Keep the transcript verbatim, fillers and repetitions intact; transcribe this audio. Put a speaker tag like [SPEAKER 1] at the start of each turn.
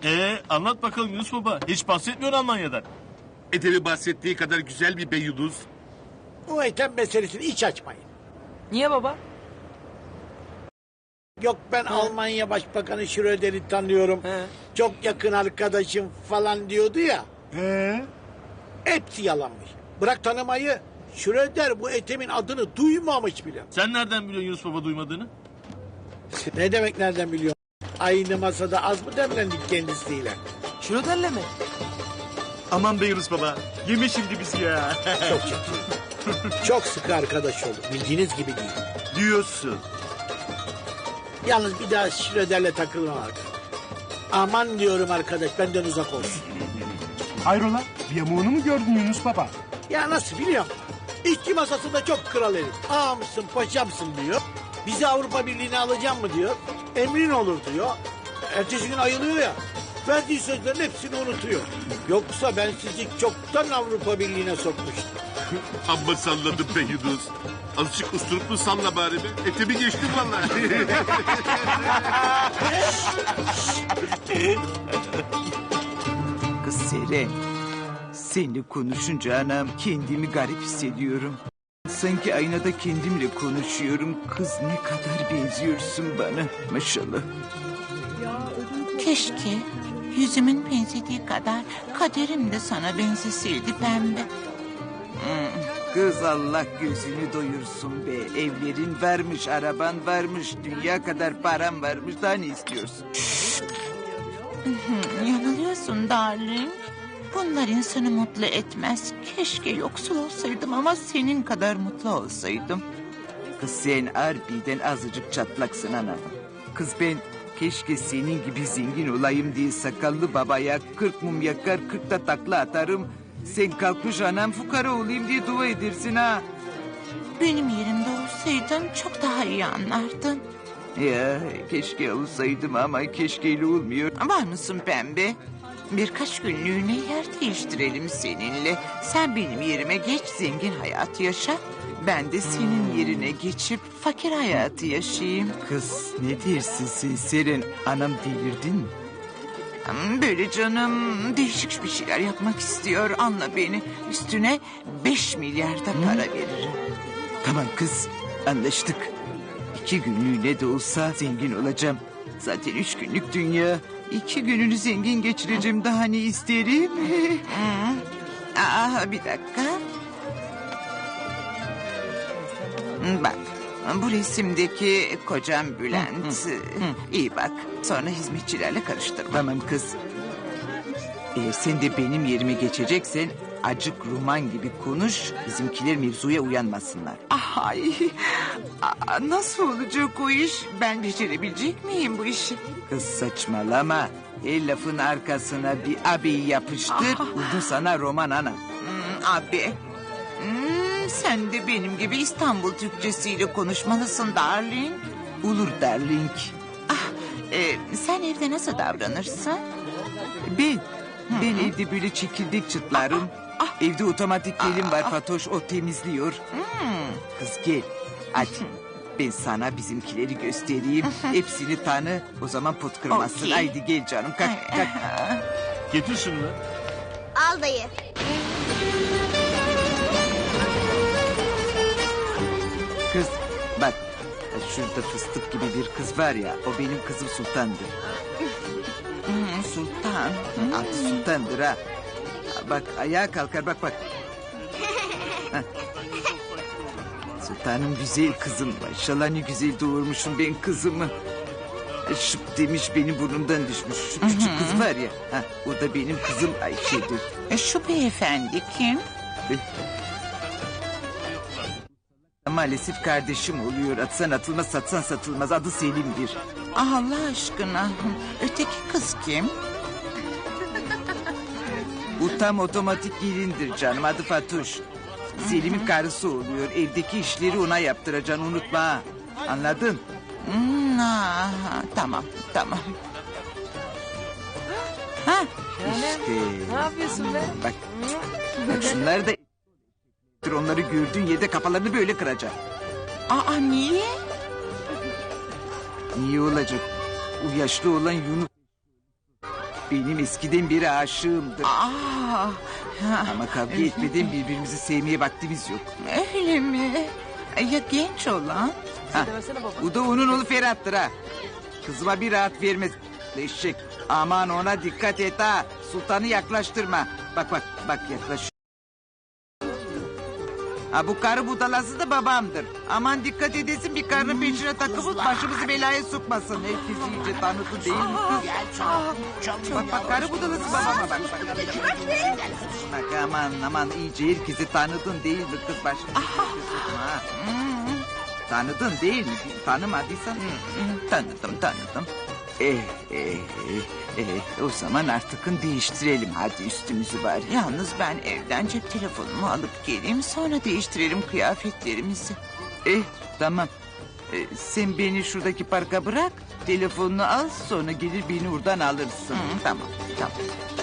[SPEAKER 1] Ee, anlat bakalım Yunus Baba. Hiç bahsetmiyor Almanya'dan.
[SPEAKER 2] Edebi bahsettiği kadar güzel bir beyuduz.
[SPEAKER 3] O Ethem meselesini hiç açmayın.
[SPEAKER 4] Niye baba?
[SPEAKER 3] Yok ben Almanya Başbakanı Schröder'i tanıyorum.
[SPEAKER 4] He.
[SPEAKER 3] Çok yakın arkadaşım falan diyordu ya.
[SPEAKER 1] Ee?
[SPEAKER 3] Hepsi yalanmış. Bırak tanımayı. Schröder bu Ethem'in adını duymamış bile.
[SPEAKER 1] Sen nereden biliyorsun Yunus Baba duymadığını?
[SPEAKER 3] Ne demek nereden biliyor? Aynı masada az mı demlendik kendisiyle?
[SPEAKER 4] Şuroderle mi?
[SPEAKER 1] Aman be Yunus Baba. Yeme şimdi bizi ya.
[SPEAKER 3] Çok ciddi. Çok sıkı arkadaş oldu. Bildiğiniz gibi değil.
[SPEAKER 1] Diyorsun.
[SPEAKER 3] Yalnız bir daha Schröder'le takılmam arkadaş. Aman diyorum arkadaş benden uzak olsun.
[SPEAKER 5] Hayrola? Bir yamuğunu mu gördün Yunus Baba?
[SPEAKER 3] Ya nasıl biliyor musun? İşçi masasında çok kral herif. Ağamsın paşamsın diyor. Bizi Avrupa Birliği'ne alacağım mı diyor. Emrin olur diyor. Ertesi gün ayılıyor ya. Verdiği sözlerin hepsini unutuyor. Yoksa ben sizi çoktan Avrupa Birliği'ne sokmuştum.
[SPEAKER 2] Amma salladım beyuduz. Azıcık usturuplu salla bari be. Etemi geçtim vallahi.
[SPEAKER 6] Kız Seren, seninle konuşunca anam kendimi garip hissediyorum. Sanki aynada kendimle konuşuyorum. Kız ne kadar benziyorsun bana maşallah.
[SPEAKER 7] Keşke yüzümün benzediği kadar kaderim de sana benzeseydi pembe.
[SPEAKER 6] Kız Allah gözünü doyursun be. Evlerin varmış, araban varmış, dünya kadar param varmış. Daha ne istiyorsun?
[SPEAKER 7] Yanılıyorsun darling. Bunlar insanı mutlu etmez. Keşke yoksul olsaydım ama senin kadar mutlu olsaydım.
[SPEAKER 6] Kız sen harbiden azıcık çatlaksın anam. Kız ben keşke senin gibi zengin olayım diye sakallı babaya kırk mum yakar kırk da takla atarım. Sen kalkmış anam fukara olayım diye dua edersin ha.
[SPEAKER 7] Benim yerimde olsaydın çok daha iyi anlardın.
[SPEAKER 6] Ya keşke olsaydım ama keşkeyle olmuyor.
[SPEAKER 7] Var mısın pembe? Birkaç günlüğüne yer değiştirelim seninle. Sen benim yerime geç zengin hayat yaşa. Ben de senin yerine geçip fakir hayatı yaşayayım.
[SPEAKER 6] Kız ne dersin sen Seren? Anam delirdin mi?
[SPEAKER 7] Böyle canım değişik bir şeyler yapmak istiyor. Anla beni. Üstüne beş milyar da para veririm.
[SPEAKER 6] Tamam kız anlaştık. İki günlüğüne de olsa zengin olacağım. Zaten üç günlük dünya. İki gününü zengin geçireceğim daha ne isterim?
[SPEAKER 7] Aa, bir dakika. Bak bu resimdeki kocam Bülent. İyi bak sonra hizmetçilerle karıştırma.
[SPEAKER 6] Tamam kız. Eğer sen de benim yerime geçeceksen acık roman gibi konuş. Bizimkiler mevzuya uyanmasınlar.
[SPEAKER 7] Ay, aa, nasıl olacak o iş? Ben becerebilecek miyim bu işi?
[SPEAKER 6] Kız saçmalama. El lafın arkasına bir abiyi yapıştır. Oldu sana roman ana.
[SPEAKER 7] Hmm, abi. Hmm, sen de benim gibi İstanbul Türkçesiyle konuşmalısın darling.
[SPEAKER 6] Olur darling.
[SPEAKER 7] Ah, e, sen evde nasıl davranırsın?
[SPEAKER 6] Ben, ben evde böyle çekirdek çıtlarım. Evde otomatik gelim var Fatoş o temizliyor. Kız gel hadi. Ben sana bizimkileri göstereyim. Hepsini tanı. O zaman pot kırmazsın.
[SPEAKER 7] Okey.
[SPEAKER 6] Haydi gel canım kalk kalk.
[SPEAKER 1] Getir şunu.
[SPEAKER 8] Al dayı.
[SPEAKER 6] Kız bak şurada fıstık gibi bir kız var ya o benim kızım Sultan'dır.
[SPEAKER 7] Hmm, Sultan.
[SPEAKER 6] Adı Sultan'dır ha. Bak ayağa kalkar bak bak. Heh. Sultanım güzel kızım. Maşallah ne güzel doğurmuşum ben kızımı. Şıp demiş benim burnumdan düşmüş. Şu küçük kız var ya. Ha, o da benim kızım Ayşe'dir.
[SPEAKER 7] E, şu beyefendi kim?
[SPEAKER 6] Maalesef kardeşim oluyor. Atsan atılmaz satsan satılmaz. Adı Selim'dir.
[SPEAKER 7] Ah, Allah aşkına. Öteki kız kim?
[SPEAKER 6] Bu tam otomatik gelindir canım. Adı Fatoş. Selim'in karısı oluyor. Evdeki işleri ona yaptıracaksın unutma ha. Anladın?
[SPEAKER 7] Hmm, ah, tamam tamam. Ha,
[SPEAKER 6] İşte.
[SPEAKER 4] Ne yapıyorsun be?
[SPEAKER 6] Bak. Bak şunlar da onları gördüğün yerde kafalarını böyle kıracaksın.
[SPEAKER 7] aa, niye?
[SPEAKER 6] Niye olacak? O yaşlı olan Yunus benim eskiden beri aşığımdır.
[SPEAKER 7] Aa,
[SPEAKER 6] Ama kavga etmeden birbirimizi sevmeye vaktimiz yok.
[SPEAKER 7] öyle mi? Ya genç olan?
[SPEAKER 6] Ha,
[SPEAKER 4] Demesene baba.
[SPEAKER 6] bu da onun oğlu Ferhat'tır ha. Kızıma bir rahat vermez. Eşek. Aman ona dikkat et ha. Sultanı yaklaştırma. Bak bak bak yaklaş. Ha bu karı budalası da babamdır. Aman dikkat edesin bir karının peşine takılıp başımızı belaya sokmasın. Herkes iyice tanıdı değil mi kız? Bak bak karı budalası babama bak. Bak, bak aman aman iyice herkesi tanıdın değil mi kız başımızı belaya sokma ha. Tanıdın değil mi? Tanımadıysan tanıdım tanıdım. Eh, eh, eh, eh, o zaman artıkın değiştirelim hadi üstümüzü bari.
[SPEAKER 7] Yalnız ben evden cep telefonumu alıp geleyim, sonra değiştirelim kıyafetlerimizi.
[SPEAKER 6] Eh tamam. Eh, sen beni şuradaki parka bırak. Telefonunu al sonra gelir beni oradan alırsın.
[SPEAKER 7] Hı, tamam tamam.